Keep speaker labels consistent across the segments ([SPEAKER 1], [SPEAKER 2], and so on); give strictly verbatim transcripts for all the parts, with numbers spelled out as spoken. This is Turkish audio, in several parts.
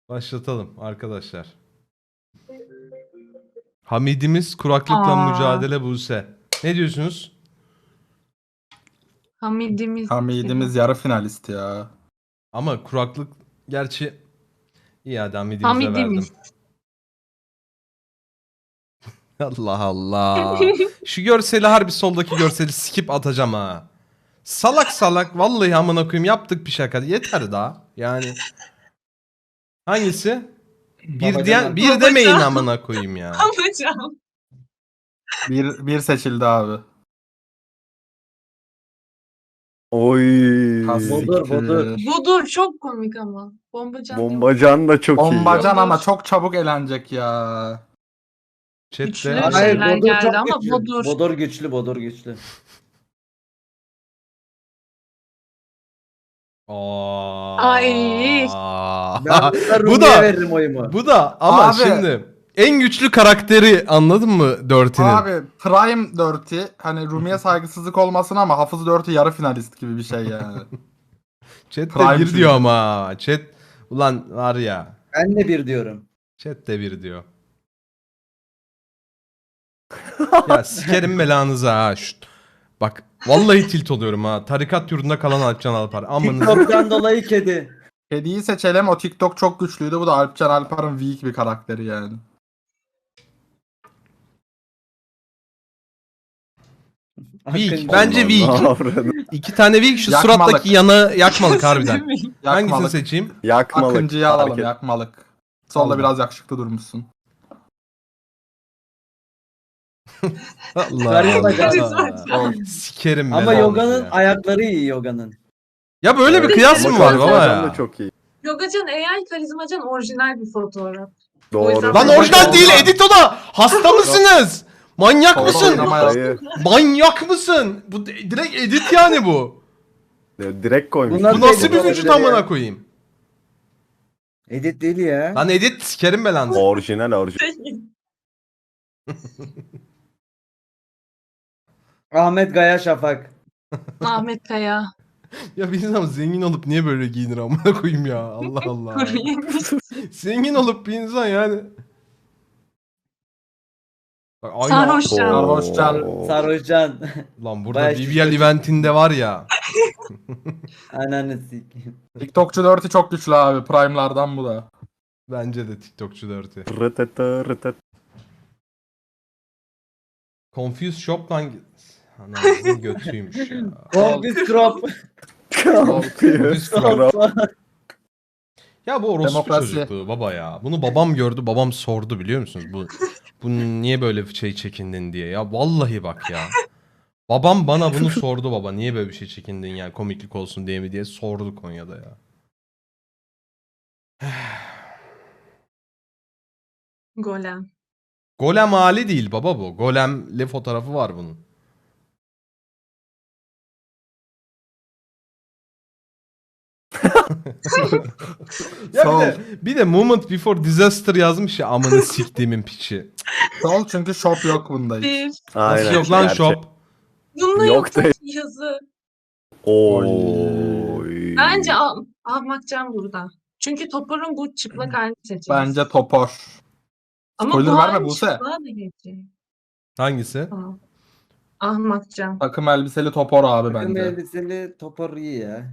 [SPEAKER 1] Başlatalım arkadaşlar. Hamidimiz kuraklıkla
[SPEAKER 2] Aa.
[SPEAKER 1] mücadele Buse. Ne diyorsunuz?
[SPEAKER 2] Hamidimiz.
[SPEAKER 3] Hamidimiz yarı finalist ya.
[SPEAKER 1] Ama kuraklık gerçi iyi hadi Hamidimize verdim.
[SPEAKER 2] Hamidimiz.
[SPEAKER 1] Allah Allah. Şu görseli harbi soldaki görseli skip atacağım ha. Salak salak vallahi amına koyayım yaptık bir şaka. Yeter daha. Yani hangisi? Bir
[SPEAKER 4] Babacan
[SPEAKER 1] diyen
[SPEAKER 4] abi.
[SPEAKER 1] bir
[SPEAKER 2] Babacan.
[SPEAKER 1] demeyin amına koyayım ya.
[SPEAKER 2] Hocam.
[SPEAKER 3] Bir, bir seçildi abi.
[SPEAKER 5] Oy.
[SPEAKER 3] Has
[SPEAKER 4] Bodur,
[SPEAKER 3] siktir.
[SPEAKER 4] bodur.
[SPEAKER 2] Budur çok komik ama. Bombacan. değil.
[SPEAKER 5] Bombacan da çok iyi.
[SPEAKER 3] Bombacan
[SPEAKER 2] ya.
[SPEAKER 3] ama çok çabuk elenecek ya.
[SPEAKER 2] Güçlü.
[SPEAKER 1] Chat'te
[SPEAKER 2] Hayır,
[SPEAKER 4] Hayır,
[SPEAKER 2] şeyler
[SPEAKER 4] bodur
[SPEAKER 2] geldi
[SPEAKER 4] çok
[SPEAKER 2] ama
[SPEAKER 4] güçlü.
[SPEAKER 2] bodur.
[SPEAKER 4] Bodur güçlü, bodur güçlü.
[SPEAKER 1] Aa.
[SPEAKER 2] Ay.
[SPEAKER 4] Ben burada
[SPEAKER 1] bu
[SPEAKER 4] Rumi'ye
[SPEAKER 1] da
[SPEAKER 4] veririm oyumu.
[SPEAKER 1] bu da ama
[SPEAKER 3] Abi.
[SPEAKER 1] şimdi en güçlü karakteri anladın mı Dirty'nin?
[SPEAKER 3] Abi Prime Dirty hani Rumi'ye saygısızlık olmasın ama Hafız Dirty yarı finalist gibi bir şey yani.
[SPEAKER 1] Chat'te
[SPEAKER 3] Prime
[SPEAKER 1] bir
[SPEAKER 3] çünkü.
[SPEAKER 1] diyor ama. Chat ulan var ya.
[SPEAKER 4] Ben de bir diyorum.
[SPEAKER 1] Chat'te bir diyor. Ya sikerim belanıza ha. Şşt. Bak vallahi tilt oluyorum ha. Tarikat yurdunda kalan Alpcan Alpar. Amanızı.
[SPEAKER 4] TikTok'tan dolayı kedi.
[SPEAKER 3] Kediyi seçelim, o TikTok çok güçlüydü. Bu da Alpcan Alpar'ın weak bir karakteri yani.
[SPEAKER 1] Weak.
[SPEAKER 4] Akıncı.
[SPEAKER 1] Bence weak.
[SPEAKER 5] Avradı.
[SPEAKER 1] İki tane weak şu
[SPEAKER 3] Yakmalık.
[SPEAKER 1] surattaki yana yakmalık harbiden. Hangisini
[SPEAKER 3] Yakmalık.
[SPEAKER 1] seçeyim?
[SPEAKER 5] Yakmalık.
[SPEAKER 3] Akıncı'yı alalım,
[SPEAKER 5] Fark et-
[SPEAKER 3] yakmalık. Solda
[SPEAKER 1] Allah.
[SPEAKER 3] biraz yakışıklı durmuşsun.
[SPEAKER 1] Allah
[SPEAKER 4] Karizma,
[SPEAKER 1] Allah.
[SPEAKER 2] karizma.
[SPEAKER 1] Sikerim
[SPEAKER 4] Ama
[SPEAKER 1] belanızı
[SPEAKER 4] Yoga'nın
[SPEAKER 1] ya.
[SPEAKER 4] ayakları iyi Yoga'nın.
[SPEAKER 1] Ya böyle bir
[SPEAKER 5] Evet,
[SPEAKER 1] kıyas
[SPEAKER 5] ama
[SPEAKER 1] mı var baba
[SPEAKER 5] Karizmacan
[SPEAKER 1] ya?
[SPEAKER 5] da çok iyi.
[SPEAKER 2] Yogacan A I, karizmacan orijinal bir fotoğraf. O
[SPEAKER 5] Doğru.
[SPEAKER 2] yüzden-
[SPEAKER 1] Lan
[SPEAKER 2] Bak,
[SPEAKER 1] orijinal
[SPEAKER 3] bak,
[SPEAKER 1] değil
[SPEAKER 3] bak.
[SPEAKER 1] edit o da. Hasta mısınız? Manyak
[SPEAKER 3] Doğru,
[SPEAKER 1] mısın?
[SPEAKER 3] oynama.
[SPEAKER 5] Dayı,
[SPEAKER 1] Manyak mısın? Bu de- direkt edit yani bu.
[SPEAKER 5] direkt koymuş.
[SPEAKER 4] Bunlar-
[SPEAKER 1] Bu nasıl
[SPEAKER 4] edit
[SPEAKER 1] bir
[SPEAKER 4] olabilir
[SPEAKER 1] vücut
[SPEAKER 4] ya.
[SPEAKER 1] amına koyayım?
[SPEAKER 4] Edit değil ya.
[SPEAKER 1] Lan edit sikerim belanızı.
[SPEAKER 5] Orijinal orijinal.
[SPEAKER 4] Ahmet Gaya Şafak.
[SPEAKER 2] Ahmet Kaya.
[SPEAKER 1] Ya bir insan zengin olup niye böyle giyinir amına koyayım ya? Allah Allah.
[SPEAKER 2] Kuru yemiş.
[SPEAKER 1] Zengin olup bir insan yani. Bak, aynı
[SPEAKER 2] Sarhoş can.
[SPEAKER 3] Sarhoşcan.
[SPEAKER 5] Oo.
[SPEAKER 4] Sarhoşcan.
[SPEAKER 1] Lan burada
[SPEAKER 4] Bayağı
[SPEAKER 1] B B L
[SPEAKER 4] şişko
[SPEAKER 1] eventinde var ya.
[SPEAKER 4] Ananı sikeyim.
[SPEAKER 3] TikTokçu Dirty çok güçlü abi. Prime'lardan bu da.
[SPEAKER 1] Bence de TikTokçu Dirty.
[SPEAKER 5] Rıtıtı rıtıt.
[SPEAKER 1] Confused Shop lan. Anasının götüymüş ya.
[SPEAKER 4] Confuse Crop.
[SPEAKER 1] Confused Crop.
[SPEAKER 4] Crop.
[SPEAKER 1] Ya bu orospu
[SPEAKER 3] Demokrasi.
[SPEAKER 1] çocukluğu baba ya. Bunu babam gördü, babam sordu biliyor musunuz? Bu bu niye böyle bir şey çekindin diye. Ya vallahi bak ya. Babam bana bunu sordu baba. Niye böyle bir şey çekindin ya? Komiklik olsun diye mi diye sordu Konya'da ya.
[SPEAKER 2] Golem.
[SPEAKER 1] Golem hali değil baba bu. Golemli fotoğrafı var bunun. Ya bir de, bir de moment before disaster yazmış ya amını siktiğimin piçi.
[SPEAKER 3] Sol çünkü shop yok bunda hiç.
[SPEAKER 2] Bir.
[SPEAKER 1] Nasıl
[SPEAKER 5] Aynen.
[SPEAKER 1] yok lan
[SPEAKER 5] gerçek.
[SPEAKER 1] shop?
[SPEAKER 2] Bunda
[SPEAKER 5] Yok
[SPEAKER 2] yok,
[SPEAKER 5] değil.
[SPEAKER 2] yazı.
[SPEAKER 5] Oy.
[SPEAKER 2] Bence al, almakcan burada. Çünkü Topor'un bu çıplak halini seçeceğiz.
[SPEAKER 3] Bence Topor.
[SPEAKER 2] Ama
[SPEAKER 3] Spoiler
[SPEAKER 2] bu
[SPEAKER 3] verme
[SPEAKER 2] halin
[SPEAKER 3] Buse.
[SPEAKER 2] çıplığa da geçecek.
[SPEAKER 1] Hangisi?
[SPEAKER 2] Tamam. Ahmakcan.
[SPEAKER 3] Takım elbiseli Topor abi
[SPEAKER 4] Takım
[SPEAKER 3] bence.
[SPEAKER 4] elbiseli topor iyi ya.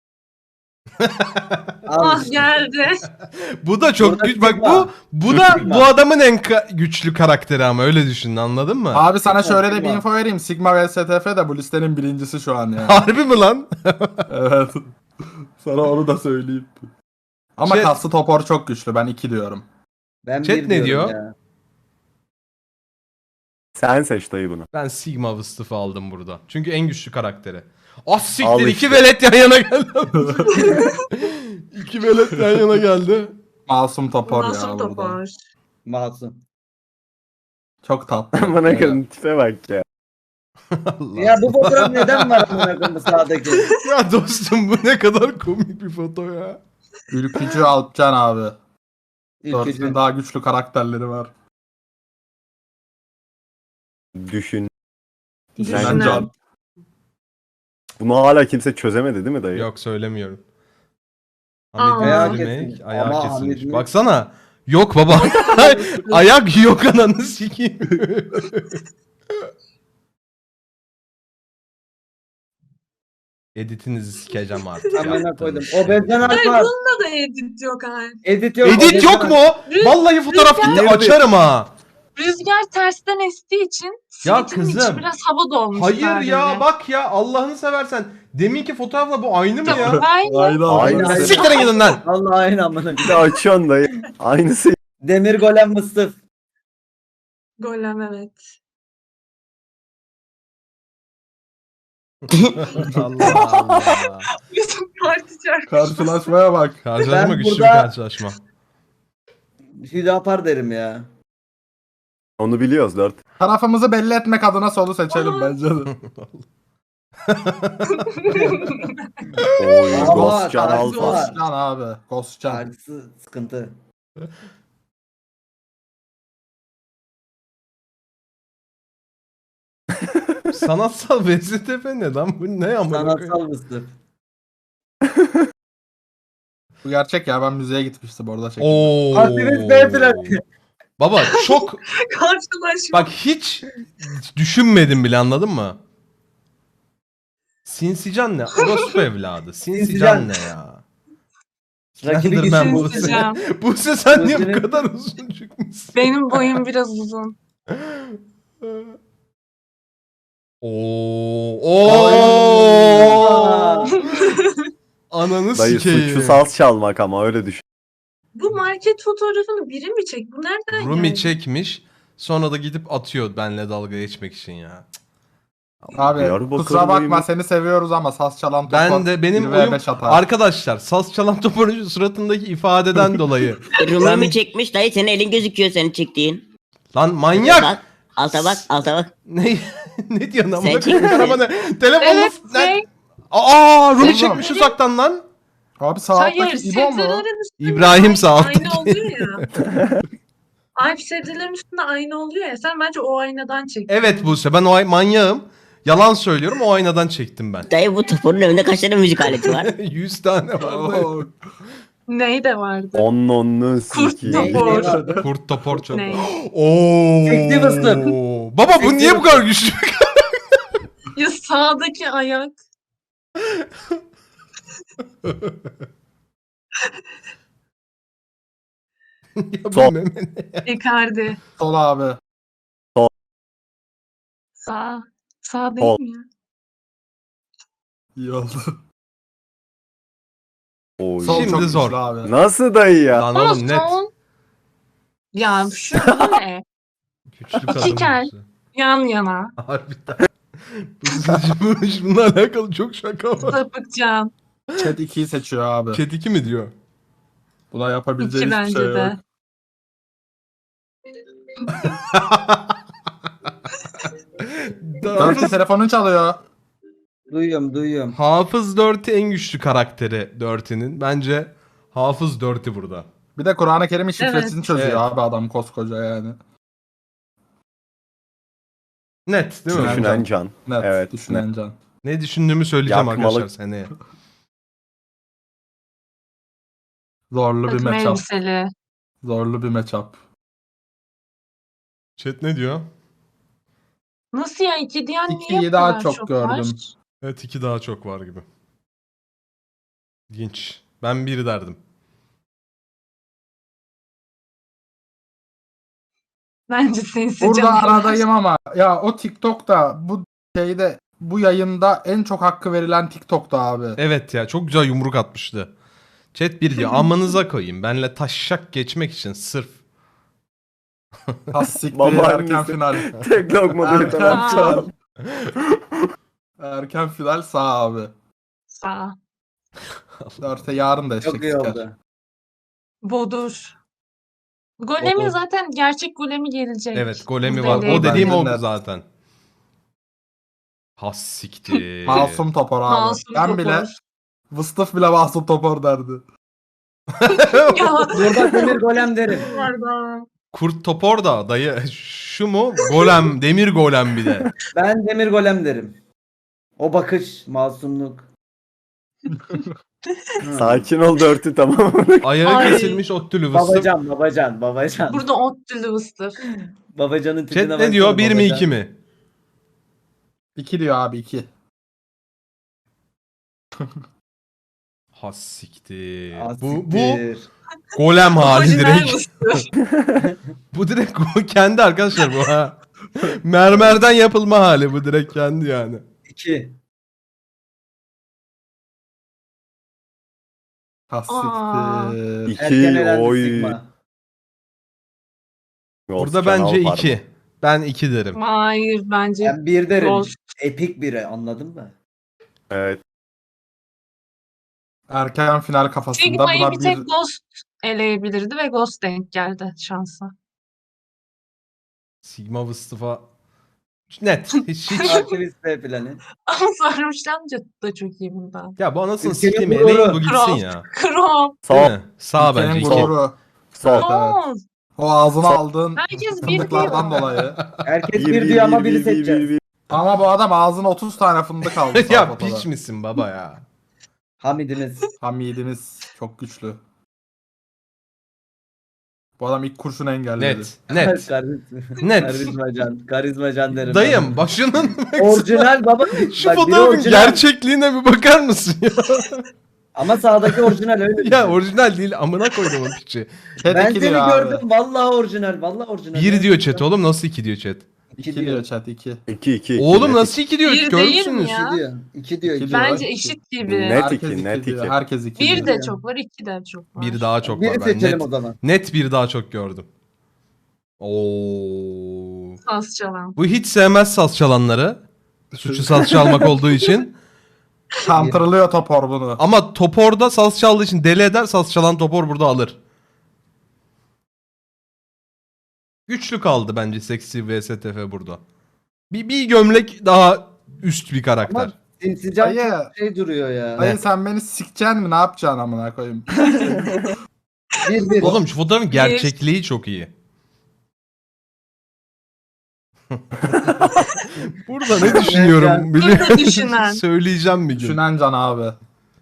[SPEAKER 2] Ah
[SPEAKER 4] işte.
[SPEAKER 2] geldi.
[SPEAKER 1] Bu da çok
[SPEAKER 4] Burada
[SPEAKER 1] güç. Bak bu
[SPEAKER 4] Sigma.
[SPEAKER 1] bu da
[SPEAKER 4] Sigma.
[SPEAKER 1] bu adamın en ka- güçlü karakteri ama öyle düşün anladın mı?
[SPEAKER 3] Abi sana şöyle de bir
[SPEAKER 4] Sigma.
[SPEAKER 3] info vereyim. Sigma ve S T F de bu listenin birincisi şu an yani.
[SPEAKER 1] Harbi mi lan?
[SPEAKER 3] Evet. Sana onu da söyleyeyim. Ama
[SPEAKER 1] Chat-
[SPEAKER 3] kaslı Topor çok güçlü. Ben iki diyorum.
[SPEAKER 4] Ben
[SPEAKER 1] Chat
[SPEAKER 4] bir
[SPEAKER 1] ne
[SPEAKER 4] diyorum
[SPEAKER 1] diyor?
[SPEAKER 4] ya.
[SPEAKER 5] Sen seç dayı bunu.
[SPEAKER 1] Ben Sigma Vıstıf'ı aldım burada. Çünkü en güçlü karakteri. Ah siktir
[SPEAKER 5] Al
[SPEAKER 1] iki
[SPEAKER 5] işte.
[SPEAKER 1] velet yan yana geldi. İki velet yan yana geldi.
[SPEAKER 3] Masum Topor
[SPEAKER 2] Masum
[SPEAKER 3] ya burada.
[SPEAKER 2] Topor.
[SPEAKER 4] Masum.
[SPEAKER 3] Çok tatlı.
[SPEAKER 5] Bana kadın tipe bak ya.
[SPEAKER 1] Allah.
[SPEAKER 4] Ya bu fotoğraf neden var amına koyayım bu sağdaki?
[SPEAKER 1] Ya dostum bu ne kadar komik bir foto ya.
[SPEAKER 3] Ülkücü Alpcan abi.
[SPEAKER 4] İlk
[SPEAKER 3] Dörtünün daha güçlü karakterleri var.
[SPEAKER 5] Düşün.
[SPEAKER 2] Düşünen.
[SPEAKER 3] Can.
[SPEAKER 5] Bunu hala kimse çözemedi değil mi dayı?
[SPEAKER 1] Yok söylemiyorum. Hamid'in
[SPEAKER 2] Ayağı
[SPEAKER 1] remake,
[SPEAKER 4] kesilmiş.
[SPEAKER 1] ayağı
[SPEAKER 4] Ama
[SPEAKER 1] kesilmiş.
[SPEAKER 4] Hamid'in-
[SPEAKER 1] Baksana. Yok baba. Ayak yok ananı sikeyim. Editinizi sikeceğim artık.
[SPEAKER 4] Amına
[SPEAKER 1] yaptığınız
[SPEAKER 4] koydum.
[SPEAKER 1] şey.
[SPEAKER 4] Obezden
[SPEAKER 2] Ay
[SPEAKER 4] harf var.
[SPEAKER 2] bunda da edit yok ha.
[SPEAKER 4] Edit yok.
[SPEAKER 1] Edit
[SPEAKER 4] obezden
[SPEAKER 1] yok
[SPEAKER 4] harf.
[SPEAKER 1] mu?
[SPEAKER 2] Rüz-
[SPEAKER 1] Vallahi fotoğraf gitti
[SPEAKER 5] Rüzgar-
[SPEAKER 1] açarım ha.
[SPEAKER 2] Rüzgar tersten estiği için
[SPEAKER 1] Ya
[SPEAKER 2] sweet'in içi
[SPEAKER 1] kızım,
[SPEAKER 2] biraz hava dolmuş
[SPEAKER 1] Hayır
[SPEAKER 2] sadece.
[SPEAKER 1] ya bak ya Allah'ını seversen. Deminki fotoğrafla bu aynı mı ya?
[SPEAKER 2] Aynı.
[SPEAKER 3] Aynen.
[SPEAKER 5] Aynen.
[SPEAKER 3] aynen.
[SPEAKER 1] Siktirin gidin lan.
[SPEAKER 4] Allah aynı amına.
[SPEAKER 5] Bir de açıyorsun dayı. Aynısı.
[SPEAKER 4] Demir golem mıstıf.
[SPEAKER 2] Golem evet.
[SPEAKER 1] Allah Allah.
[SPEAKER 2] Bizim parti şarkısı.
[SPEAKER 3] Karşılaşmaya bak.
[SPEAKER 1] Karşılaşma
[SPEAKER 4] Ben
[SPEAKER 1] güçlü bir
[SPEAKER 4] burada-
[SPEAKER 1] karşılaşma.
[SPEAKER 4] Hüdapar derim ya.
[SPEAKER 5] Onu biliyoruz dört.
[SPEAKER 3] Tarafımızı belli etmek adına solu seçelim
[SPEAKER 2] Aa.
[SPEAKER 3] bence de.
[SPEAKER 5] Oy,
[SPEAKER 4] Ama
[SPEAKER 5] Ghostcan
[SPEAKER 4] tarzı
[SPEAKER 5] Alfa.
[SPEAKER 4] var.
[SPEAKER 3] Ghostcan abi. Ghostcan.
[SPEAKER 4] Şarkısı sıkıntı.
[SPEAKER 1] Sanatsal benzetepe ne lan? Bu ne amına koyayım?
[SPEAKER 4] Sanatsal mıstıf.
[SPEAKER 3] Bu gerçek ya, ben müzeye gitmiştim orada çektim.
[SPEAKER 1] Oo.
[SPEAKER 4] Aktivist beyefendi.
[SPEAKER 1] Baba çok
[SPEAKER 2] Karşılaşma.
[SPEAKER 1] bak hiç düşünmedim bile, anladın mı? Sinsican ne? Orospu evladı. Sinsican
[SPEAKER 4] Sinsican.
[SPEAKER 1] ne ya?
[SPEAKER 4] Rakibi
[SPEAKER 1] Slenderman
[SPEAKER 4] gitsin.
[SPEAKER 1] bu.
[SPEAKER 2] Sinsican.
[SPEAKER 1] Buse sen niye bu
[SPEAKER 4] Gözünü-
[SPEAKER 1] kadar uzun çıkmışsın?
[SPEAKER 2] Benim boyum biraz uzun.
[SPEAKER 1] Oo. Oo. Ananı
[SPEAKER 5] Dayı
[SPEAKER 1] sikeyim.
[SPEAKER 5] suçu saz çalmak ama öyle düşün.
[SPEAKER 2] Bu market fotoğrafını biri mi çek? Bu nereden
[SPEAKER 1] Rumi
[SPEAKER 2] geldi?
[SPEAKER 1] çekmiş. Sonra da gidip atıyor benle dalga geçmek için ya.
[SPEAKER 3] Abi
[SPEAKER 5] Diyarbakır
[SPEAKER 3] kusura bakma,
[SPEAKER 5] dayım.
[SPEAKER 3] seni seviyoruz ama saz çalan topar.
[SPEAKER 1] Ben de benim
[SPEAKER 3] bir ve
[SPEAKER 1] oyum
[SPEAKER 3] beş atar.
[SPEAKER 1] arkadaşlar saz çalan topunun suratındaki ifadeden dolayı.
[SPEAKER 6] Rumi
[SPEAKER 1] Ben-
[SPEAKER 6] mi çekmiş dayı, senin elin gözüküyor senin çektiğin.
[SPEAKER 1] Lan manyak.
[SPEAKER 6] Bak alta bak alta bak.
[SPEAKER 1] Ne ne diyorsun amına
[SPEAKER 6] Sen
[SPEAKER 1] koyayım
[SPEAKER 6] çekmişsin.
[SPEAKER 1] araba ne? Telefonla
[SPEAKER 2] Evet,
[SPEAKER 1] lan-
[SPEAKER 2] şey,
[SPEAKER 1] Aa Rumi
[SPEAKER 3] Oğlum.
[SPEAKER 1] çekmiş uzaktan lan.
[SPEAKER 3] Abi sağ
[SPEAKER 2] hayır,
[SPEAKER 3] alttaki İbo mu?
[SPEAKER 2] sebzelerin üstünde
[SPEAKER 1] İbrahim
[SPEAKER 2] aynı-
[SPEAKER 1] sağ alttaki.
[SPEAKER 2] Aynı oluyor ya. Alp sebzelerin üstünde aynı oluyor ya. Sen bence o aynadan çek.
[SPEAKER 1] Evet Buse, ben o ay manyağım. Yalan söylüyorum, o aynadan çektim ben.
[SPEAKER 6] Dayı bu topunun önünde kaç tane müzik aleti var?
[SPEAKER 1] yüz tane var.
[SPEAKER 3] Oo.
[SPEAKER 2] Ney de vardı.
[SPEAKER 5] On onlu
[SPEAKER 2] Kurt
[SPEAKER 5] siki.
[SPEAKER 2] topor.
[SPEAKER 1] Kurt topor çok.
[SPEAKER 2] Ney?
[SPEAKER 1] Oo.
[SPEAKER 4] Sekti fıstık.
[SPEAKER 1] Baba bu
[SPEAKER 4] Sekti
[SPEAKER 1] niye bu kadar güçlü?
[SPEAKER 2] Ya sağdaki ayak.
[SPEAKER 1] ya bu
[SPEAKER 5] Sol.
[SPEAKER 1] meme ne?
[SPEAKER 2] Icardi.
[SPEAKER 3] Sol abi.
[SPEAKER 2] Sağ. Sağ değil
[SPEAKER 5] Sol.
[SPEAKER 2] mi ya?
[SPEAKER 3] İyi oldu.
[SPEAKER 5] Oy.
[SPEAKER 3] Sol
[SPEAKER 1] Şimdi
[SPEAKER 3] çok
[SPEAKER 1] zor.
[SPEAKER 3] güçlü abi.
[SPEAKER 5] Nasıl dayı ya?
[SPEAKER 1] Lan
[SPEAKER 2] Ama
[SPEAKER 1] oğlum net.
[SPEAKER 2] son. Ya şu bu ne?
[SPEAKER 1] Güçlü kadın.
[SPEAKER 2] İki kel.
[SPEAKER 1] Buse.
[SPEAKER 2] Yan yana.
[SPEAKER 1] Harbiden. Bu- Bununla alakalı çok şaka var.
[SPEAKER 2] Sapıkcan.
[SPEAKER 3] Chat ikiyi seçiyor abi.
[SPEAKER 1] Chat iki mi diyor?
[SPEAKER 3] Buna yapabileceği
[SPEAKER 2] İki
[SPEAKER 3] hiçbir
[SPEAKER 2] bence
[SPEAKER 3] şey yok.
[SPEAKER 2] de.
[SPEAKER 3] Dörtte telefonun çalıyor.
[SPEAKER 4] Duyuyorum duyuyorum.
[SPEAKER 1] Hafız Dirty en güçlü karakteri Dirty'nin. Bence Hafız Dirty burada.
[SPEAKER 3] Bir de Kur'an-ı Kerim'in şifresini
[SPEAKER 2] Evet.
[SPEAKER 3] çözüyor
[SPEAKER 1] Evet.
[SPEAKER 3] abi adam koskoca yani.
[SPEAKER 1] Net değil mi?
[SPEAKER 3] Düşünen-
[SPEAKER 5] Düşünen can.
[SPEAKER 3] Net
[SPEAKER 5] Evet,
[SPEAKER 3] düşünen can.
[SPEAKER 1] Ne düşündüğümü söyleyeceğim
[SPEAKER 5] Yakmalı-
[SPEAKER 1] arkadaşlar seneye.
[SPEAKER 3] Zorlu bir
[SPEAKER 2] Takım
[SPEAKER 3] matchup.
[SPEAKER 2] elbiseli.
[SPEAKER 3] Zorlu bir matchup.
[SPEAKER 1] Chat ne diyor?
[SPEAKER 2] Nasıl ya? İki diyen niye
[SPEAKER 3] İkiyi
[SPEAKER 2] bu
[SPEAKER 3] daha
[SPEAKER 2] kadar
[SPEAKER 3] çok
[SPEAKER 2] var?
[SPEAKER 3] gördüm.
[SPEAKER 1] Evet iki daha çok var gibi. İlginç. Ben bir derdim.
[SPEAKER 2] Bence sinsi
[SPEAKER 3] Burada
[SPEAKER 2] canavar.
[SPEAKER 3] aradayım ama ya o TikTok'ta bu şeyde bu yayında en çok hakkı verilen TikTok'ta abi.
[SPEAKER 1] Evet ya çok güzel yumruk atmıştı. Chat bir diyor amanıza koyayım. Benle taşşak geçmek için sırf.
[SPEAKER 3] Tas siktir
[SPEAKER 5] Babaannesi.
[SPEAKER 3] erken final.
[SPEAKER 5] Tek lokma bir
[SPEAKER 3] Erken
[SPEAKER 5] tamam.
[SPEAKER 3] final. Erken final sağ abi.
[SPEAKER 2] Sağ.
[SPEAKER 3] Dörtte yarın da eşek
[SPEAKER 4] Çok iyi
[SPEAKER 3] siker.
[SPEAKER 4] oldu.
[SPEAKER 2] Bodur. Golemi
[SPEAKER 1] Bodur.
[SPEAKER 2] zaten gerçek golemi gelecek.
[SPEAKER 1] Evet golemi
[SPEAKER 2] Bu
[SPEAKER 1] var.
[SPEAKER 2] deli.
[SPEAKER 1] O dediğim
[SPEAKER 3] Bence
[SPEAKER 1] oldu
[SPEAKER 3] net.
[SPEAKER 1] zaten. Has siktir.
[SPEAKER 3] Masum Topor abi.
[SPEAKER 2] Masum
[SPEAKER 3] ben
[SPEAKER 2] Topor.
[SPEAKER 3] bile Vıstıf bile Masum Topor derdi.
[SPEAKER 2] Ya.
[SPEAKER 4] Burada demir golem derim.
[SPEAKER 2] Pardon.
[SPEAKER 1] Kurt topor da dayı şu mu? Golem, demir golem bir de.
[SPEAKER 4] Ben demir golem derim. O bakış, masumluk.
[SPEAKER 5] Sakin ol dörtü tamam mı?
[SPEAKER 1] Ayağı
[SPEAKER 2] Ay.
[SPEAKER 1] kesilmiş ottülü vıstık.
[SPEAKER 4] Babacan, babacan, babacan.
[SPEAKER 2] Burada ot dülüvüstür.
[SPEAKER 4] Babacanın tipine
[SPEAKER 1] Chat ne diyor?
[SPEAKER 4] baksana,
[SPEAKER 1] Bir mi
[SPEAKER 4] babacan.
[SPEAKER 1] iki mi?
[SPEAKER 3] iki diyor abi iki.
[SPEAKER 1] Ha siktir.
[SPEAKER 4] Ah,
[SPEAKER 1] Bu, bu
[SPEAKER 4] siktir.
[SPEAKER 1] golem hali
[SPEAKER 2] Orijinal
[SPEAKER 1] direkt.
[SPEAKER 2] mısır.
[SPEAKER 1] Bu direkt go- kendi arkadaşlar bu ha. Mermerden yapılma hali bu direkt kendi yani.
[SPEAKER 4] İki.
[SPEAKER 3] Ha
[SPEAKER 2] Aa.
[SPEAKER 3] siktir.
[SPEAKER 4] Erken
[SPEAKER 5] İki
[SPEAKER 4] elendi
[SPEAKER 5] oy.
[SPEAKER 4] Sigma.
[SPEAKER 1] Burada
[SPEAKER 5] Ghost
[SPEAKER 1] bence
[SPEAKER 5] Channel var
[SPEAKER 1] iki.
[SPEAKER 5] mı?
[SPEAKER 1] Ben iki derim.
[SPEAKER 2] Hayır bence
[SPEAKER 4] Ben bir derim.
[SPEAKER 2] Ghost.
[SPEAKER 4] Epik biri, anladın mı?
[SPEAKER 5] Evet.
[SPEAKER 3] Erken final kafasında
[SPEAKER 2] Sigma'yı
[SPEAKER 3] buna
[SPEAKER 2] bir
[SPEAKER 3] bir
[SPEAKER 2] tek Ghost eleyebilirdi ve Ghost denk geldi şansa.
[SPEAKER 1] Sigma Vıstıfa net. Hiç hiç.
[SPEAKER 4] Aktivist B planı.
[SPEAKER 2] Ama Sarmışlan da çok iyi bunda.
[SPEAKER 1] Ya bu anasını
[SPEAKER 4] Ülkenin
[SPEAKER 1] sikeyim
[SPEAKER 4] gururu.
[SPEAKER 1] eleyin bu gitsin
[SPEAKER 2] Kral.
[SPEAKER 1] ya.
[SPEAKER 2] Krom.
[SPEAKER 1] Değil
[SPEAKER 5] Sol.
[SPEAKER 1] mi? Sağ
[SPEAKER 3] ülkenin
[SPEAKER 1] bence iki.
[SPEAKER 3] gururu.
[SPEAKER 5] Sol.
[SPEAKER 3] Evet, evet.
[SPEAKER 2] Oo,
[SPEAKER 3] O ağzına
[SPEAKER 5] Sol.
[SPEAKER 3] aldığın
[SPEAKER 2] Herkes bir
[SPEAKER 3] fındıklardan
[SPEAKER 2] diyor.
[SPEAKER 3] dolayı.
[SPEAKER 4] Herkes
[SPEAKER 5] Bir,
[SPEAKER 4] bir
[SPEAKER 5] bir,
[SPEAKER 4] diyor ama
[SPEAKER 5] bir,
[SPEAKER 4] biri
[SPEAKER 5] bir, bir,
[SPEAKER 4] seçeceğiz.
[SPEAKER 5] bir.
[SPEAKER 3] Ama bu adam ağzına otuz tane fındık aldı. sağ
[SPEAKER 1] Ya
[SPEAKER 3] potada.
[SPEAKER 1] piç misin baba ya?
[SPEAKER 4] Hamidimiz.
[SPEAKER 3] Hamidimiz çok güçlü. Bu adam ilk kurşunu engelledi.
[SPEAKER 1] Net. Net.
[SPEAKER 4] Karizma-
[SPEAKER 1] Net.
[SPEAKER 4] Karizmacan. Karizmacan derim.
[SPEAKER 1] Dayım başının
[SPEAKER 4] ben. Orijinal baba.
[SPEAKER 1] şu
[SPEAKER 4] Bak, biri
[SPEAKER 1] fotoğrafın
[SPEAKER 4] orijinal.
[SPEAKER 1] gerçekliğine bir bakar mısın ya?
[SPEAKER 4] Ama sağdaki orijinal öyle.
[SPEAKER 1] Ya orijinal değil amına koydum o piçi.
[SPEAKER 3] Chat
[SPEAKER 4] Ben
[SPEAKER 3] iki
[SPEAKER 4] seni
[SPEAKER 3] diyor abi.
[SPEAKER 4] gördüm. Vallahi orijinal. Vallahi orijinal.
[SPEAKER 1] Bir diyor chat oğlum nasıl iki diyor chat?
[SPEAKER 3] İki,
[SPEAKER 4] İki
[SPEAKER 3] diyor
[SPEAKER 4] diyor.
[SPEAKER 3] chat iki.
[SPEAKER 5] İki iki. iki.
[SPEAKER 1] Oğlum
[SPEAKER 5] Net
[SPEAKER 1] nasıl iki diyor?
[SPEAKER 2] Bir
[SPEAKER 1] Görür
[SPEAKER 2] değil mi
[SPEAKER 1] müsünüz?
[SPEAKER 2] ya?
[SPEAKER 4] İki diyor. İki diyor.
[SPEAKER 3] İki
[SPEAKER 4] iki.
[SPEAKER 3] diyor.
[SPEAKER 2] Bence
[SPEAKER 3] iki.
[SPEAKER 2] eşit gibi.
[SPEAKER 5] Net
[SPEAKER 3] Herkes
[SPEAKER 5] iki, net
[SPEAKER 3] diyor.
[SPEAKER 5] iki.
[SPEAKER 3] Herkes iki
[SPEAKER 2] Bir
[SPEAKER 3] diyor.
[SPEAKER 2] de çok var, iki de çok var.
[SPEAKER 1] Bir daha çok
[SPEAKER 4] Biri
[SPEAKER 1] var ben.
[SPEAKER 4] seçelim
[SPEAKER 1] Net,
[SPEAKER 4] o zaman.
[SPEAKER 1] net bir daha çok gördüm. Oo.
[SPEAKER 2] Saz çalan.
[SPEAKER 1] Bu hiç sevmez saz çalanları. Suçu saz çalmak olduğu için.
[SPEAKER 3] Kantırılıyor topor bunu.
[SPEAKER 1] Ama Topor'da saz çaldığı için deli eder. Saz çalan Topor burada alır. Güçlü kaldı bence Seksi V S T F burada. Bir, bir gömlek daha üst bir karakter.
[SPEAKER 4] Ama Sinsican
[SPEAKER 3] Dayı,
[SPEAKER 4] çok şey duruyor ya.
[SPEAKER 3] dayı sen beni sikeceksin mi? Ne yapacaksın amına koyayım?
[SPEAKER 4] Bir bir.
[SPEAKER 1] Oğlum şu fotoğrafın gerçekliği çok iyi. Burada ne düşünüyorum biliyor
[SPEAKER 2] Burada düşünen.
[SPEAKER 1] Söyleyeceğim bir gün.
[SPEAKER 3] Düşünen can abi.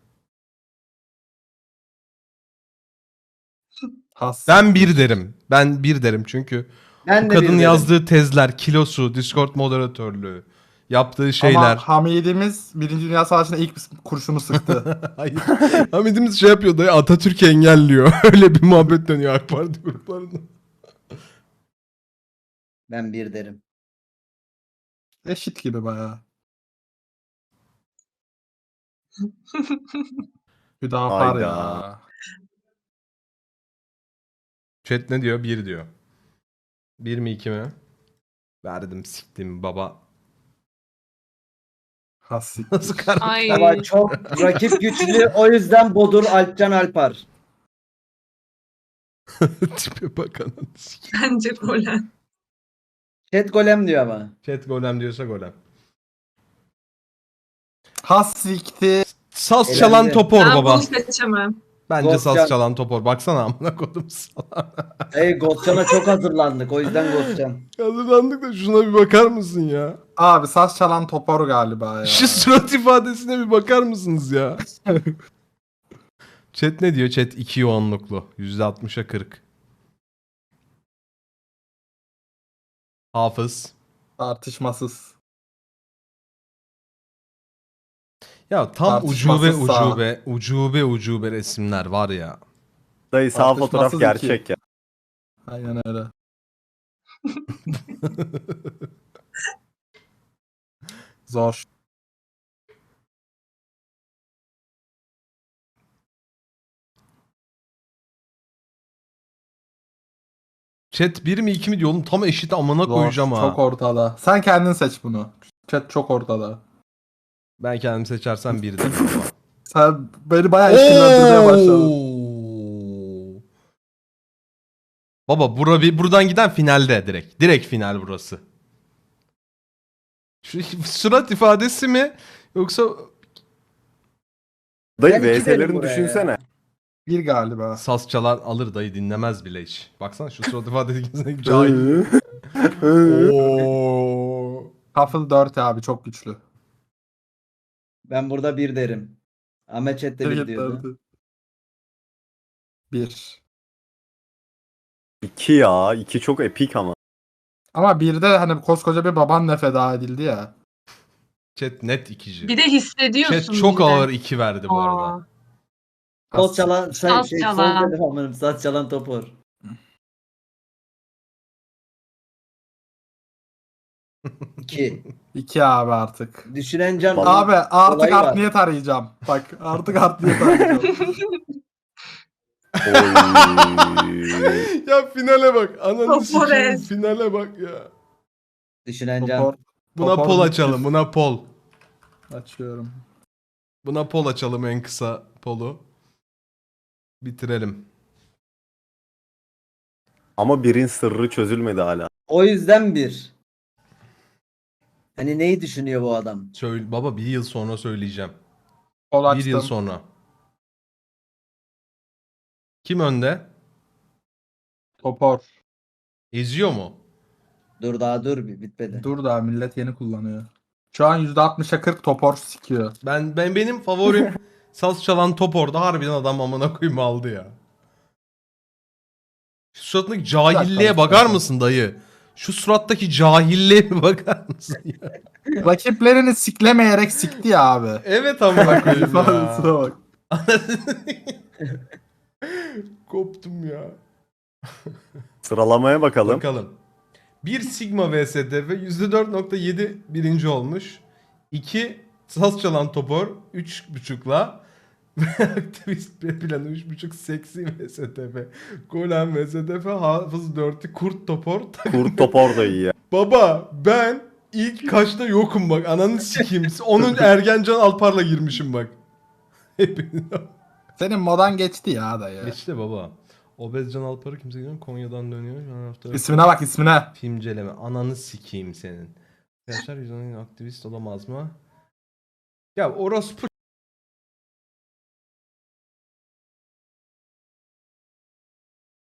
[SPEAKER 3] Has.
[SPEAKER 1] Ben bir derim. Ben bir derim çünkü
[SPEAKER 4] Ben
[SPEAKER 1] bu
[SPEAKER 4] de
[SPEAKER 1] kadın
[SPEAKER 4] bir derim.
[SPEAKER 1] yazdığı tezler, kilosu, Discord moderatörlüğü, yaptığı şeyler.
[SPEAKER 3] Ama Hamidimiz Birinci Dünya Savaşı'nda ilk kurşunu sıktı.
[SPEAKER 1] Hayır. Hamidimiz şey yapıyor dayı Atatürk engelliyor. Öyle bir muhabbet dönüyor AK Parti gruplarında.
[SPEAKER 4] Ben bir derim.
[SPEAKER 3] Eşit gibi bayağı. Hüdapar
[SPEAKER 5] Hayda.
[SPEAKER 3] ya.
[SPEAKER 1] Chat ne diyor? Bir diyor. Bir mi iki mi? Verdim siktim baba.
[SPEAKER 3] Hasik.
[SPEAKER 1] Nasıl karar?
[SPEAKER 2] Ay.
[SPEAKER 4] Ama çok rakip güçlü. O yüzden Bodur Alpcan Alpar.
[SPEAKER 1] Tipe bakalım.
[SPEAKER 2] Bence Golen.
[SPEAKER 4] Chat golem diyor ama.
[SPEAKER 1] Chat golem diyorsa golem.
[SPEAKER 3] Hassikti.
[SPEAKER 1] Saz
[SPEAKER 4] Elendi.
[SPEAKER 1] çalan Topor
[SPEAKER 2] Ben
[SPEAKER 1] baba.
[SPEAKER 2] bunu seçemem.
[SPEAKER 1] Bence
[SPEAKER 4] Ghost
[SPEAKER 1] saz
[SPEAKER 4] Can-
[SPEAKER 1] çalan Topor. Baksana amına kodum sana.
[SPEAKER 4] Hey Goscan'a çok hazırlandık. O yüzden Goscan.
[SPEAKER 1] Hazırlandık da şuna bir bakar mısın ya?
[SPEAKER 3] Abi saz çalan topor galiba ya.
[SPEAKER 1] Şu surat ifadesine bir bakar mısınız ya? Chat ne diyor? Chat iki yoğunluklu. yüzde altmışa kırk. Hafız.
[SPEAKER 3] Tartışmasız.
[SPEAKER 1] Ya tam
[SPEAKER 3] Tartışmasız
[SPEAKER 1] ucube
[SPEAKER 3] sağ.
[SPEAKER 1] ucube ucube ucube resimler var ya.
[SPEAKER 5] Dayı sağ
[SPEAKER 3] Tartışmasız
[SPEAKER 5] fotoğraf
[SPEAKER 3] iki.
[SPEAKER 5] gerçek ya.
[SPEAKER 3] Aynen öyle. Zor.
[SPEAKER 1] Chat bir mi iki mi diyor oğlum tam eşit amına
[SPEAKER 3] Zor.
[SPEAKER 1] koyacağım ha.
[SPEAKER 3] Çok ortada. Sen kendin seç bunu. Chat çok ortada.
[SPEAKER 1] Ben kendim seçersem bir derim baba.
[SPEAKER 3] Sen beni bayağı işkillendirmeye başladın.
[SPEAKER 1] Oo. Baba bura bir buradan giden finalde direkt. Direkt final burası. Şu surat ifadesi mi yoksa
[SPEAKER 5] Dayı
[SPEAKER 4] Ben iki derim
[SPEAKER 5] V S'lerini
[SPEAKER 4] buraya
[SPEAKER 5] düşünsene.
[SPEAKER 3] Bir galiba.
[SPEAKER 1] saz çalar alır dayı dinlemez bile hiç. Baksana şu surat ifadesi cahil. Oo.
[SPEAKER 3] Huffle dört abi çok güçlü.
[SPEAKER 4] Ben burada bir derim. Ahmet Chat'te bir diyordu.
[SPEAKER 3] Hareketlerdi. Bir.
[SPEAKER 5] İki ya. İki çok epik ama.
[SPEAKER 3] Ama bir de hani koskoca bir babanla feda edildi ya.
[SPEAKER 1] Chat net ikici.
[SPEAKER 2] Bir de hissediyorsun
[SPEAKER 1] Chat çok
[SPEAKER 2] bir de.
[SPEAKER 1] ağır iki verdi bu arada.
[SPEAKER 2] Aa,
[SPEAKER 4] Sol çalan, say,
[SPEAKER 2] Saz
[SPEAKER 4] şey,
[SPEAKER 2] çalan.
[SPEAKER 4] sol dedim amanım, saz çalan topor. İki.
[SPEAKER 3] İki abi artık.
[SPEAKER 4] Düşünen can.
[SPEAKER 3] Abi artık
[SPEAKER 4] Olayı var.
[SPEAKER 3] art niyet arayacağım. Bak artık art niyet arayacağım.
[SPEAKER 5] Oy.
[SPEAKER 1] Ya finale bak. Ananı sikeyim
[SPEAKER 2] Topores.
[SPEAKER 1] finale bak ya.
[SPEAKER 4] Düşünen can.
[SPEAKER 3] Topor.
[SPEAKER 1] Buna
[SPEAKER 3] Topor
[SPEAKER 1] pol
[SPEAKER 3] bitti.
[SPEAKER 1] açalım. Buna pol.
[SPEAKER 3] Açıyorum.
[SPEAKER 1] Buna pol açalım en kısa polu. Bitirelim.
[SPEAKER 5] Ama birin sırrı çözülmedi hala.
[SPEAKER 4] O yüzden bir. Hani neyi düşünüyor bu adam?
[SPEAKER 1] Söyle, baba bir yıl sonra söyleyeceğim.
[SPEAKER 3] Pol
[SPEAKER 1] Bir
[SPEAKER 3] açtım.
[SPEAKER 1] yıl sonra. Kim önde?
[SPEAKER 3] Topor.
[SPEAKER 1] Eziyor mu?
[SPEAKER 4] Dur daha dur bir bitmedi.
[SPEAKER 3] Dur daha millet yeni kullanıyor. Şu an yüzde altmışa kırk topor sikiyor.
[SPEAKER 1] Ben ben benim favorim saz çalan top orada harbiden adam amına koyayım aldı ya. Şu suratındaki cahilliğe
[SPEAKER 3] Dakika,
[SPEAKER 1] bakar
[SPEAKER 3] dakika.
[SPEAKER 1] mısın dayı? Şu surattaki cahilliğe bir bakar mısın ya?
[SPEAKER 3] Rakiplerini siklemeyerek sikti ya abi.
[SPEAKER 1] Evet amına koyayım
[SPEAKER 3] İfadesine
[SPEAKER 1] ya.
[SPEAKER 3] bak.
[SPEAKER 1] Koptum ya.
[SPEAKER 5] Sıralamaya bakalım.
[SPEAKER 1] Bakalım. bir Sigma V S D F yüzde dört nokta yedi birinci olmuş. iki Saz çalan topor üç buçukla aktivist B planı üç buçuk seksi V S D F. Golem V S D F hafız dörtü kurt topor.
[SPEAKER 5] Kurt topor da iyi ya.
[SPEAKER 1] Baba ben ilk kaçta yokum bak ananı sikeyim. Onun Ergencan Alpar'la girmişim bak. Hepiniz.
[SPEAKER 3] Senin modan geçti ya dayı.
[SPEAKER 1] Geçti baba. Obezcan Alpar'ı kimse bilmiyor. Konya'dan dönüyor. Şu an hafta
[SPEAKER 3] İsmine bak ismine.
[SPEAKER 1] filmceleme. Ananı sikeyim senin. Arkadaşlar yüzden aktivist olamaz mı? Ya orospu